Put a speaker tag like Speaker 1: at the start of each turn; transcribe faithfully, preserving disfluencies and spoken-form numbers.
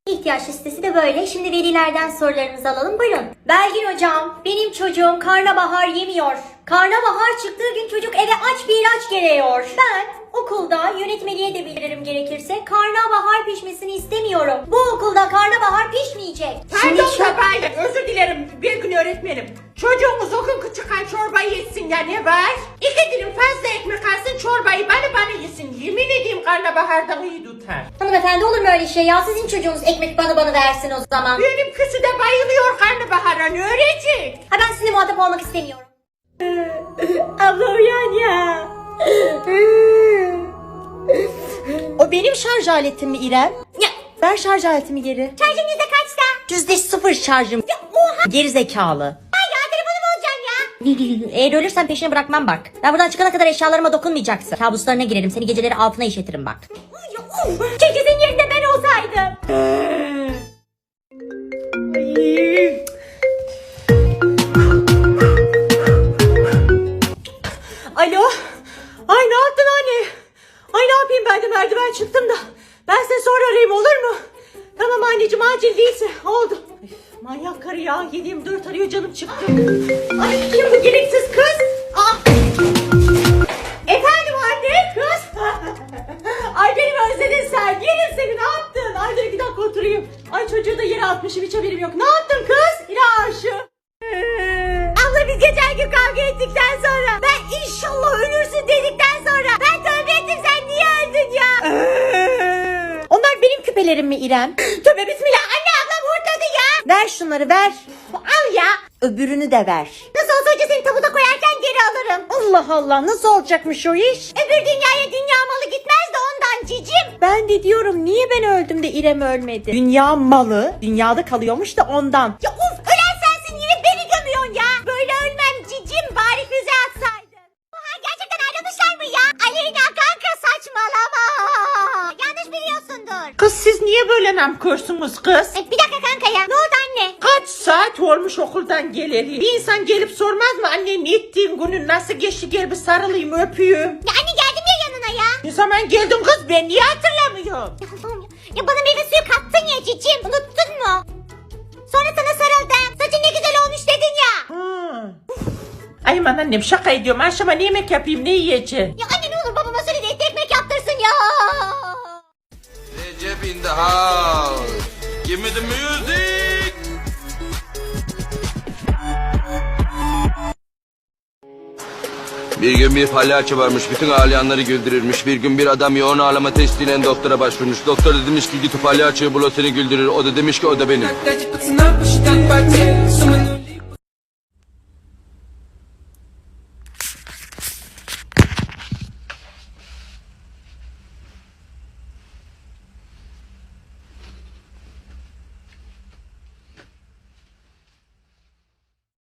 Speaker 1: İhtiyaç listesi de böyle. Şimdi velilerden sorularınızı alalım. Buyurun. Belgin hocam, benim çocuğum karnabahar yemiyor. Karnabahar çıktığı gün çocuk eve aç bir ilaç geliyor. Ben okulda yönetmeliğe de bildiririm gerekirse karnabahar pişmesini istemiyorum. Bu okulda karnabahar pişmeyecek.
Speaker 2: Pardon da böyle özür dilerim bir gün öğretmenim. Çocuğumuz o gün çıkan çorbayı yesin ya ne var? İki dilim fazla ekmek alsın çorbayı bana bana yesin. Yemin edeyim karnabahardan iyi tutar.
Speaker 1: Hanımefendi olur mu öyle şey ya? Sizin çocuğunuz ekmek bana bana versin o zaman.
Speaker 2: Benimkisi de bayılıyor karnabahara ne öğretecek?
Speaker 1: Ha ben sizinle muhatap olmak istemiyorum.
Speaker 2: Abla uyan ya.
Speaker 3: O benim şarj aletim mi İrem?
Speaker 1: Ya
Speaker 3: Ver şarj aletimi geri.
Speaker 1: şarjın yüzde kaçta?
Speaker 3: Yüzde sıfır şarjım.
Speaker 1: Ya oha.
Speaker 3: Geri zekalı.
Speaker 1: Ya telefonum olacak ya.
Speaker 3: Eğer ölürsen peşine bırakmam bak. Ben buradan çıkana kadar eşyalarıma dokunmayacaksın. Kabuslarına girerim. Seni geceleri altına işletirim bak.
Speaker 1: Keşke senin yerinde ben olsaydım.
Speaker 2: Alo. Ay ne yaptın anne? Ay ne yapayım ben de merdiven çıktım da. Ben seni sonra arayayım olur mu? Tamam anneciğim acil değilse oldu. Üf, manyak karı ya yedi yirmi dört arıyor canım çıktı. Ay kim bu gereksiz kız? Aa. Efendim anne kız. Ay beni özledin sen. Yerim seni ne yaptın? Ay dur iki dakika oturayım. Ay çocuğu da yere atmışım hiç haberim yok. Ne yaptın kız? İlahi aşığı. Abla biz geçen gün kavga ettikten sonra ben inşallah ölürsün dedikten sonra ben tövbe ettim sen niye öldün ya?
Speaker 3: Onlar benim küpelerim mi İrem?
Speaker 2: Tövbe bismillah anne ablam hurtladı ya.
Speaker 3: Ver şunları ver.
Speaker 2: Al ya.
Speaker 3: Öbürünü de ver.
Speaker 2: Nasıl olsa önce seni tabuta koyarken geri alırım.
Speaker 3: Allah Allah nasıl olacakmış o iş?
Speaker 2: Öbür dünyaya dünya malı gitmez de ondan cicim.
Speaker 3: Ben de diyorum niye ben öldüm de İrem ölmedi? Dünya malı dünyada kalıyormuş da ondan.
Speaker 2: Ya uf ölen sensin yine beni gömüyorsun ya. Böyle ölmem cicim bari füze atsaydın. Oha gerçekten ayrılmışlar mı ya? Aleyna kanka saçmalama. Yanlış biliyorsundur. Kız siz niye böyle namkörsünüz kız?
Speaker 1: E, bir dakika kanka ya. Ne oldu anne?
Speaker 2: Kaç saat olmuş okuldan geleli. Bir insan gelip sormaz mı anne ne ettiğin günün nasıl geçti gel bir sarılayım öpeyim.
Speaker 1: Ya anne geldim ya yanına ya.
Speaker 2: Ne zaman geldin kız ben niye hatırlamıyorum?
Speaker 1: Ya Allah'ım ya. Ya bana meyve suyu kattın ya cicim. Unuttun mu? Sonra sana sarıldım. Saçın ne güzel olmuş dedin ya.
Speaker 2: Hmm. Ay aman annem şaka ediyorum akşama ne yemek yapayım ne yiyeceğim?
Speaker 1: Ya anne ne olur babama söyle de etli ekmek yaptırsın ya.
Speaker 4: Recep in the house. Give me the music. Bir gün bir palyaço varmış, bütün ağlayanları güldürürmüş. Bir gün bir adam yoğun ağlama testiyle doktora başvurmuş. Doktor da demiş ki git o palyaçoyu bul o seni güldürür. O da demiş ki o da benim.